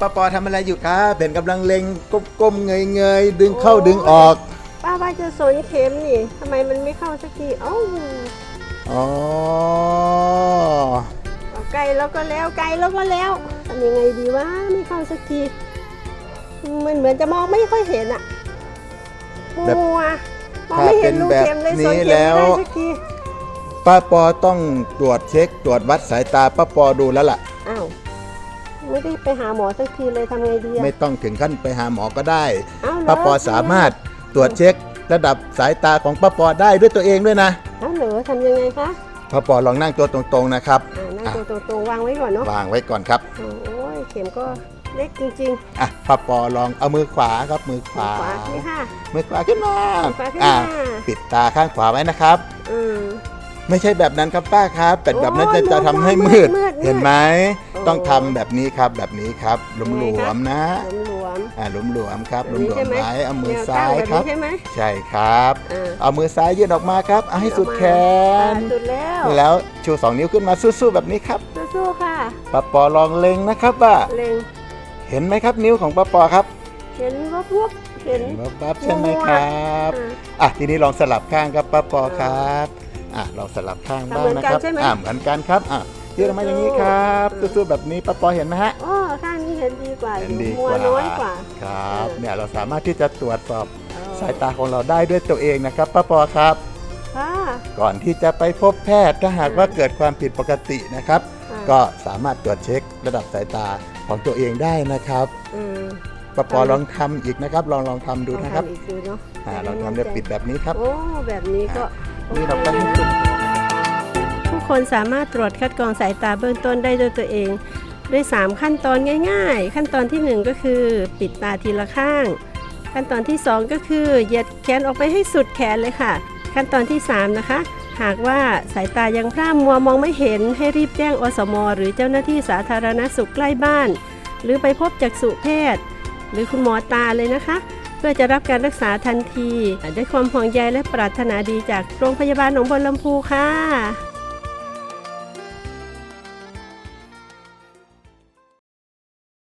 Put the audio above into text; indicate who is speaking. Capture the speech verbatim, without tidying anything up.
Speaker 1: ป้าปอทำอะไรอยู่ครับเป็นกำลังเล็งก้มๆเงยๆดึงเข้าดึงออก
Speaker 2: ป้าว่าจะสนเข็มนี่ทำไมมันไม่เข้าสักทีเอ้า
Speaker 1: อ๋อ
Speaker 2: ไกลแล้วก็แล้วไกลแล้วก็แล้วทำยังไงดีวะไม่เข้าสักทีมันเหมือนจะมองไม่ค่อยเห็นอะมัวมองไม่เห็นลูกเข็มเลยสนเข็มไม่ได้สักที
Speaker 1: ป้าปอต้องตรวจเช็คตรวจวัดสายตาป้าปอดูแล้วล่ะ
Speaker 2: อ้าวไม่ได้ไปหาหมอสักทีเลยทำไงดี
Speaker 1: ไม่ต้องถึงขั้นไปหาหมอก็ได้
Speaker 2: ป้า
Speaker 1: ปอสามารถตรวจเช็คระดับสายตาของป้าปอได้ด้วยตัวเองด้วยนะ
Speaker 2: อ้าวเหรอทำยังไงคะ
Speaker 1: ป้าปอลองนั่งตัวตรงๆนะครับ
Speaker 2: นั่งตัวตรงๆวางไว้ก่อนเนาะ
Speaker 1: วางไว้ก่อนครับ
Speaker 2: โอ้ยเข็มก็เล็กจริง
Speaker 1: ๆอ่ะป้าปอลองเอามือขวาครับมือขวา
Speaker 2: นี่ค่ะ
Speaker 1: มือขวาขึ้นมาอ่ะปิดตาข้างขวาไว้นะครับ
Speaker 2: อืม
Speaker 1: ไม่ใช่แบบนั้นครับป้าครับแต่แบบนั้นจะจะทำให้มืดเห็นไหมต้องทำแบบนี้ครับแบบนี้ครับหลวมๆนะ
Speaker 2: หลวม
Speaker 1: อ่าหลวมๆครับหลวมๆไว้เอามือซ้ายครับ
Speaker 2: ใช่ไหม
Speaker 1: ใช่ครับเอามือซ้ายยื่นออกมาครับเอาให้สุดแขน
Speaker 2: สุดแล้ว
Speaker 1: แล้วชูสองนิ้วขึ้นมาสู้ๆแบบนี้ครับ
Speaker 2: สู้ๆค่ะ
Speaker 1: ป้าปอลองเล็งนะครับว่า
Speaker 2: เล็ง
Speaker 1: เห็นไหมครับนิ้วของป้าปอครับ
Speaker 2: เห็นวับวับเห็น
Speaker 1: วับวับใช่ไหมครับอ่ะทีนี้ลองสลับข้างครับป้าปอครับอ่ะเราสลับข้างบ้างนะครับอ่ะเหมือนกันครับอ่ะยืดออกมาอย่างนี้ครับสู้ๆแบบนี้ป้าปอเห็นไหมฮะ
Speaker 2: อ๋อข้างนี้เห็นดีกว่า
Speaker 1: เห็นดี
Speaker 2: กว่าน้อยกว่า
Speaker 1: ครับเนี่ยเราสามารถที่จะตรวจสอบสายตาของเราได้ด้วยตัวเองนะครับป้าปอครับก่อนที่จะไปพบแพทย์ถ้าหากว่าเกิดความผิดปกตินะครับก็สามารถตรวจเช็คระดับสายตาของตัวเองได้นะครับป้าปอลองทำอีกนะครับลองลองทำดูนะครับลองทำเดี๋ยวปิดแบบนี้ครับ
Speaker 2: โอ้แบบนี้ก็
Speaker 1: นี่เราก็ให้สุด
Speaker 2: ทุกคนสามารถตรวจคัดกรองสายตาเบื้องต้นได้ด้วยตัวเองด้วยสามขั้นตอนง่ายๆขั้นตอนที่หนึ่งก็คือปิดตาทีละข้างขั้นตอนที่สองก็คือเหยียดแขนออกไปให้สุดแขนเลยค่ะขั้นตอนที่สามนะคะหากว่าสายตายังพร่ามัวมองไม่เห็นให้รีบแจ้งอสม.หรือเจ้าหน้าที่สาธารณสุขใกล้บ้านหรือไปพบจักษุแพทย์หรือคุณหมอตาเลยนะคะเพื่อจะรับการรักษาทันทีด้วยความห่วงใยและปรารถนาดีจากโรงพยาบาลหนองบัวลำพูค่ะ